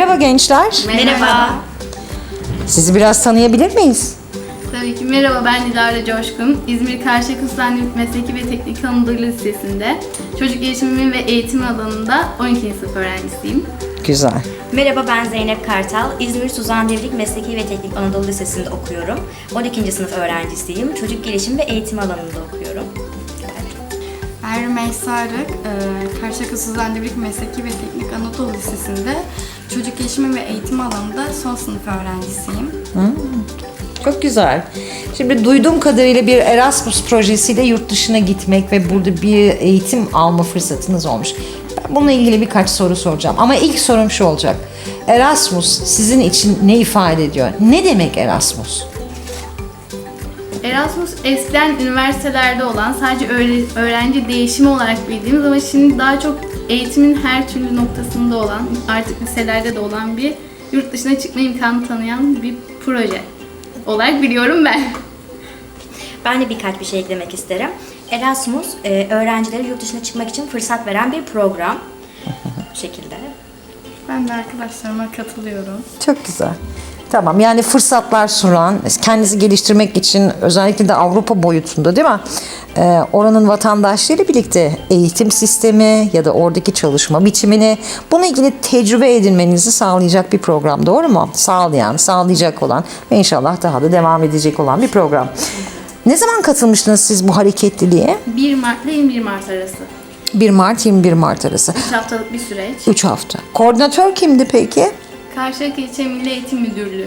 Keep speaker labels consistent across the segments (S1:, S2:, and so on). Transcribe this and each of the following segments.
S1: Merhaba gençler.
S2: Merhaba.
S1: Sizi biraz tanıyabilir miyiz?
S2: Tabii ki merhaba, ben Dilara Coşkun. İzmir Karşıyaka Sultan Mesleki ve Teknik Anadolu Lisesi'nde çocuk gelişimi ve eğitim alanında 12. sınıf öğrencisiyim.
S1: Güzel.
S3: Merhaba, ben Zeynep Kartal. İzmir Suzan Devrik Mesleki ve Teknik Anadolu Lisesi'nde okuyorum. 12. sınıf öğrencisiyim. Çocuk gelişim ve eğitim alanında okuyorum.
S4: Ben Rümeysa Arık, Karşıyaka Suzan Devrik Mesleki ve Teknik Anadolu Lisesi'nde çocuk gelişimi ve eğitim alanında son sınıf öğrencisiyim.
S1: Çok güzel. Şimdi duyduğum kadarıyla bir Erasmus projesiyle yurt dışına gitmek ve burada bir eğitim alma fırsatınız olmuş. Ben bununla ilgili birkaç soru soracağım. Ama ilk sorum şu olacak. Erasmus sizin için ne ifade ediyor? Ne demek Erasmus?
S2: Erasmus eskiden üniversitelerde olan, sadece öğrenci değişimi olarak bildiğimiz ama şimdi daha çok eğitimin her türlü noktasında olan, artık liselerde de olan bir yurt dışına çıkma imkanı tanıyan bir proje olarak biliyorum ben.
S3: Ben de birkaç bir şey eklemek isterim. Erasmus, öğrencilere yurt dışına çıkmak için fırsat veren bir program. Bu şekilde.
S4: Ben de arkadaşlarıma katılıyorum.
S1: Çok güzel. Tamam, yani fırsatlar sunan, kendinizi geliştirmek için özellikle de Avrupa boyutunda değil mi? Oranın vatandaşları birlikte eğitim sistemi ya da oradaki çalışma biçimini, bununla ilgili tecrübe edinmenizi sağlayacak bir program, doğru mu? Sağlayacak olan ve inşallah daha da devam edecek olan bir program. Ne zaman katılmıştınız siz bu hareketliliğe?
S2: 1 Mart ile 21 Mart arası.
S1: 1 Mart 21 Mart arası.
S2: 3 haftalık bir süreç.
S1: 3 hafta. Koordinatör kimdi peki?
S2: Karşıyaka İlçe Milli Eğitim Müdürlüğü.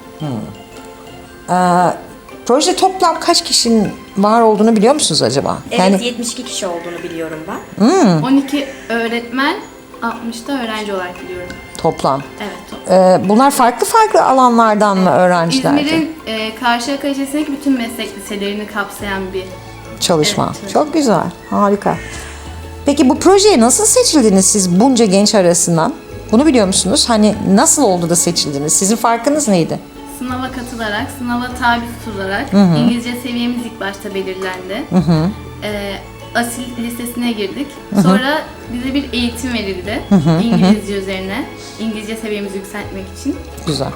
S1: Proje toplam kaç kişinin var olduğunu biliyor musunuz acaba?
S3: Evet, 72 kişi olduğunu biliyorum ben.
S2: 12 öğretmen, 60 da öğrenci olarak biliyorum.
S1: Toplam.
S2: Evet.
S1: Bunlar farklı alanlardan mı öğrenciler?
S2: İzmir'in Karşıyaka ilçesindeki bütün meslek liselerini kapsayan bir
S1: Çalışma.
S2: Evet.
S1: Çok güzel. Harika. Peki bu projeye nasıl seçildiniz siz bunca genç arasından? Bunu biliyor musunuz? Hani nasıl oldu da seçildiniz? Sizin farkınız neydi?
S2: sınava katılarak, sınava tabi tutularak İngilizce seviyemiz ilk başta belirlendi. Asil listesine girdik. Sonra bize bir eğitim verildi İngilizce üzerine. İngilizce seviyemizi yükseltmek için.
S1: Güzel.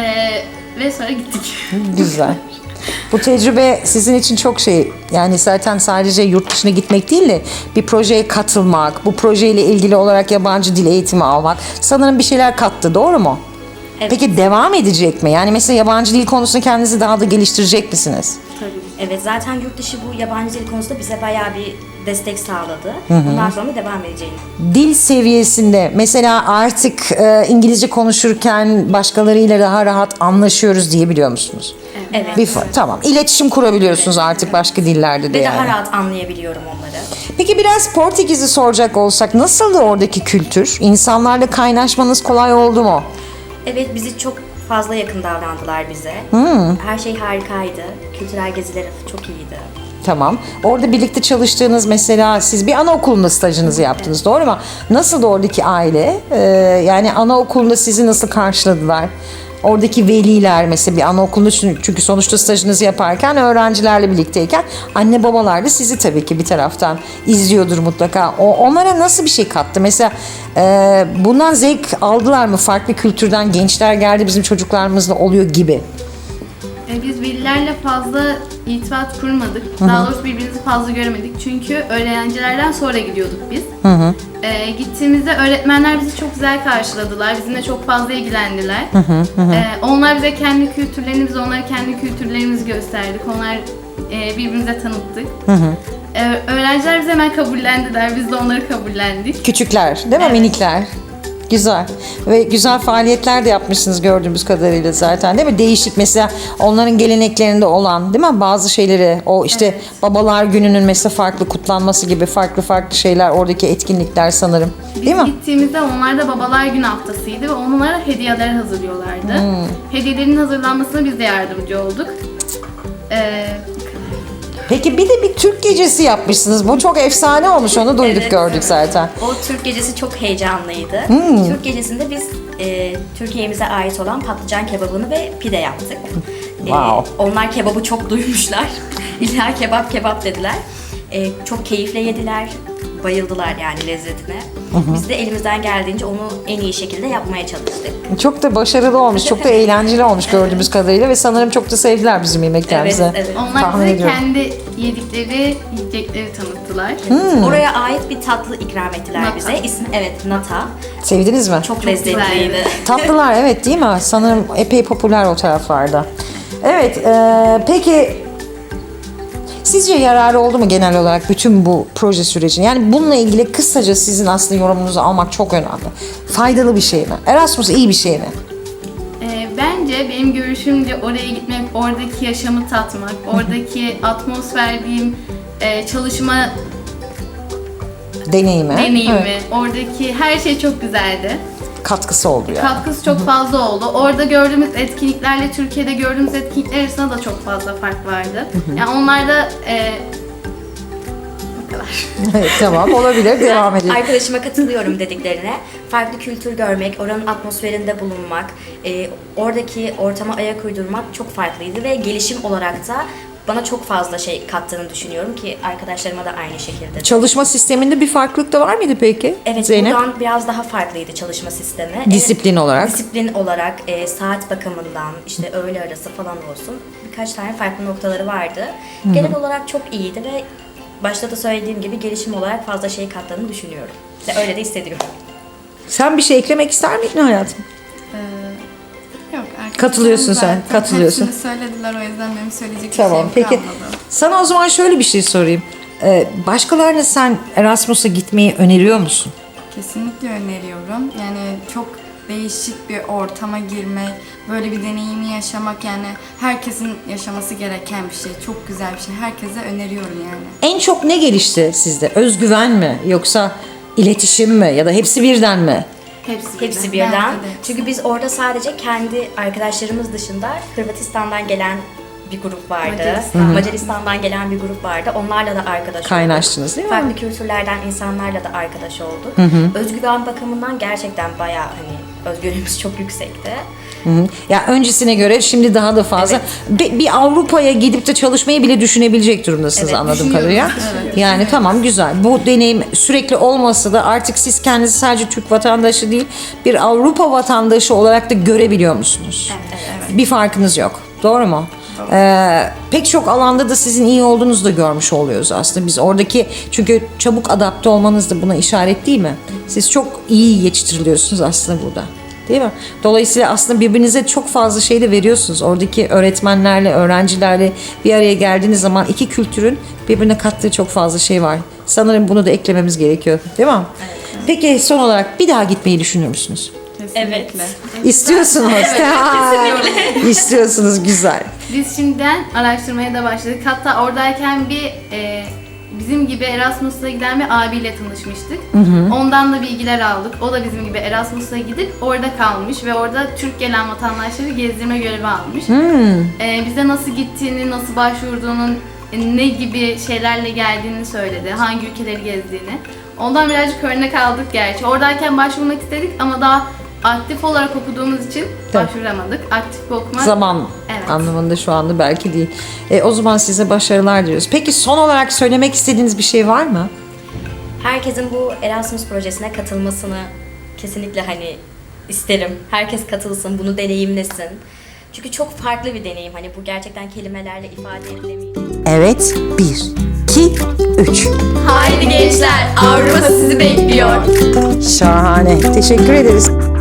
S2: Ve sonra gittik.
S1: Güzel. Bu tecrübe sizin için çok yani zaten sadece yurt dışına gitmek değil de bir projeye katılmak, bu projeyle ilgili olarak yabancı dil eğitimi almak sanırım bir şeyler kattı, doğru mu?
S3: Evet.
S1: Peki devam edecek mi? Yani mesela yabancı dil konusunda kendinizi daha da geliştirecek misiniz?
S2: Tabii.
S3: Evet, zaten yurt dışı bu yabancı dil konusunda bize bayağı bir destek sağladı. Bundan sonra devam edeceğini.
S1: Dil seviyesinde mesela artık İngilizce konuşurken başkalarıyla daha rahat anlaşıyoruz diyebiliyor musunuz?
S3: Evet.
S1: Tamam. İletişim kurabiliyorsunuz artık başka dillerde de
S3: Ve
S1: yani.
S3: daha rahat anlayabiliyorum onları.
S1: Peki biraz Portekiz'i soracak olsak nasıldı oradaki kültür? İnsanlarla kaynaşmanız kolay oldu mu?
S3: Evet, bizi çok fazla yakın davrandılar bize. Her şey harikaydı. Kültürel geziler çok iyiydi.
S1: Tamam. Orada birlikte çalıştığınız mesela siz bir anaokulunda stajınızı yaptınız, doğru mu? Nasıldı oradaki aile? Yani anaokulunda sizi nasıl karşıladılar? Oradaki veliler mesela bir anaokulunda, çünkü sonuçta stajınızı yaparken öğrencilerle birlikteyken anne babalar da sizi tabii ki bir taraftan izliyordur mutlaka. Onlara nasıl bir şey kattı? Mesela bundan zevk aldılar mı? Farklı kültürden gençler geldi bizim çocuklarımızla oluyor gibi.
S2: Biz velilerle fazla irtibat kurmadık. Daha doğrusu birbirimizi fazla göremedik. Çünkü öğrencilerden sonra gidiyorduk biz. Gittiğimizde öğretmenler bizi çok güzel karşıladılar. Bizimle çok fazla ilgilendiler. Onlar bize kendi kültürlerini, biz onlara kendi kültürlerimizi gösterdik. Onlar birbirimize tanıttık. Öğrenciler bizi hemen kabullendiler. Biz de onları kabullendik.
S1: Küçükler değil mi?
S2: Evet.
S1: Minikler. Güzel. Ve güzel faaliyetler de yapmışsınız gördüğümüz kadarıyla zaten, değil mi? Değişik mesela onların geleneklerinde olan, değil mi? Bazı şeyleri, o işte
S2: Evet.
S1: Babalar Günü'nün mesela farklı kutlanması gibi farklı şeyler, oradaki etkinlikler sanırım. Değil
S2: Biz
S1: mi?
S2: gittiğimizde onlar da Babalar Günü haftasıydı ve onlara hediyeler hazırlıyorlardı. Hediyelerin hazırlanmasına biz de yardımcı olduk.
S1: Peki bir de bir Türk gecesi yapmışsınız. Bu çok efsane olmuş. Onu duyduk,
S3: Evet.
S1: gördük zaten.
S3: O Türk gecesi çok heyecanlıydı. Türk gecesinde biz Türkiye'mize ait olan patlıcan kebabını ve pide yaptık.
S1: Wow.
S3: Onlar kebabı çok duymuşlar. İlla kebap dediler. Çok keyifle yediler. bayıldılar yani lezzetine. Biz de elimizden geldiğince onu en iyi şekilde yapmaya çalıştık.
S1: Çok da başarılı olmuş, çok da eğlenceli olmuş gördüğümüz kadarıyla ve sanırım çok da sevdiler bizim yemeklerimizi.
S3: Evet, evet.
S2: Onlar
S1: Tahmin
S2: bize
S1: ediyorum.
S2: kendi yedikleri yiyecekleri tanıttılar.
S3: Oraya ait bir tatlı ikram ettiler
S2: Nata.
S3: bize. İsmi evet nata.
S1: Sevdiniz mi?
S3: Çok lezzetliydi.
S2: güzeldi.
S1: Tatlılar evet değil mi? Sanırım epey popüler o taraflarda. Evet, peki sizce yararı oldu mu genel olarak bütün bu proje sürecinin? Yani bununla ilgili kısaca sizin aslında yorumunuzu almak çok önemli. Faydalı bir şey mi? Erasmus iyi bir şey mi?
S2: Bence benim görüşümce oraya gitmek, oradaki yaşamı tatmak, oradaki atmosfer diyeyim, çalışma
S1: Deneyimi.
S2: deneyimi,
S1: Evet.
S2: oradaki her şey çok güzeldi.
S1: Katkısı oldu yani.
S2: Katkısı çok fazla oldu. Orada gördüğümüz etkinliklerle Türkiye'de gördüğümüz etkinlikler arasında da çok fazla fark vardı. Yani onlarda bu kadar.
S1: Evet, tamam olabilir. Devam edelim.
S3: Arkadaşıma katılıyorum dediklerine. Farklı kültür görmek, oranın atmosferinde bulunmak, oradaki ortama ayak uydurmak çok farklıydı ve gelişim olarak da bana çok fazla şey kattığını düşünüyorum ki arkadaşlarıma da aynı şekilde.
S1: Çalışma sisteminde bir farklılık da var mıydı peki?
S3: Evet,
S1: Zeynep?
S3: buradan biraz daha farklıydı çalışma sistemi.
S1: Disiplin olarak.
S3: Disiplin olarak, saat bakımından, işte öğle arası falan olsun. Birkaç tane farklı noktaları vardı. Genel olarak çok iyiydi ve başta da söylediğim gibi gelişim olarak fazla şey kattığını düşünüyorum. Ve öyle de hissediyorum.
S1: Sen bir şey eklemek ister miydin hayatım?
S4: Yok, arkadaşlarım
S1: Katılıyorsun sen,
S4: zaten
S1: katılıyorsun.
S4: hepsini söylediler, o yüzden benim söyleyecek
S1: Tamam
S4: bir şeyim
S1: peki.
S4: kalmadı.
S1: Sana o zaman şöyle bir şey sorayım. Başkalarına sen Erasmus'a gitmeyi öneriyor musun?
S4: Kesinlikle öneriyorum. Yani çok değişik bir ortama girmek, böyle bir deneyimi yaşamak, yani herkesin yaşaması gereken bir şey. Çok güzel bir şey. Herkese öneriyorum yani.
S1: En çok ne gelişti sizde? Özgüven mi? Yoksa iletişim mi? Ya da hepsi birden mi?
S3: Hepsi birden.
S4: Bence de.
S3: Çünkü biz orada sadece kendi arkadaşlarımız dışında Hırvatistan'dan gelen bir grup vardı. Macaristan'dan gelen bir grup vardı. Onlarla da arkadaş olduk.
S1: Kaynaştınız değil mi?
S3: Farklı kültürlerden insanlarla da arkadaş olduk. Özgüven bakımından gerçekten bayağı hani özgüvenimiz çok yüksekti.
S1: Hı hı. Ya öncesine göre şimdi daha da fazla. Bir Avrupa'ya gidip de çalışmayı bile düşünebilecek durumdasınız
S3: Evet,
S1: anladığım kadarıyla. Yani tamam güzel. Bu deneyim sürekli olmasa da artık siz kendinizi sadece Türk vatandaşı değil, bir Avrupa vatandaşı olarak da görebiliyor musunuz? Bir farkınız yok. Doğru mu? Pek çok alanda da sizin iyi olduğunuzu da görmüş oluyoruz aslında. Biz oradaki çünkü çabuk adapte olmanız da buna işaret değil mi? Siz çok iyi yetiştiriliyorsunuz aslında burada. Değil mi? Dolayısıyla aslında birbirinize çok fazla şey de veriyorsunuz. Oradaki öğretmenlerle, öğrencilerle bir araya geldiğiniz zaman iki kültürün birbirine kattığı çok fazla şey var. Sanırım bunu da eklememiz gerekiyor. Değil mi? Peki son olarak bir daha gitmeyi düşünür müsünüz?
S4: Kesinlikle.
S1: İstiyorsunuz. İstiyorsunuz. Güzel.
S2: Biz şimdiden araştırmaya da başladık. Hatta oradayken bizim gibi Erasmus'a giden bir abiyle tanışmıştık. Ondan da bilgiler aldık. O da bizim gibi Erasmus'a gidip orada kalmış ve orada Türk gelen vatandaşları gezdirme görevi almış. Bize nasıl gittiğini, nasıl başvurduğunun, ne gibi şeylerle geldiğini söyledi, hangi ülkeleri gezdiğini. Ondan birazcık örnek aldık gerçi. Oradayken başvurmak istedik ama daha aktif olarak okuduğumuz için başvuramadık. Aktif bir okuma.
S1: Zaman
S2: Evet.
S1: anlamında şu anda belki değil. O zaman size başarılar diliyoruz. Peki son olarak söylemek istediğiniz bir şey var mı?
S3: Herkesin bu Erasmus projesine katılmasını kesinlikle hani isterim. Herkes katılsın, bunu deneyimlesin. Çünkü çok farklı bir deneyim. Hani bu gerçekten kelimelerle ifade edilemeyecek.
S1: Evet. 1, 2, 3.
S2: Haydi gençler, Avrupa sizi bekliyor.
S1: Şahane. Teşekkür ederiz.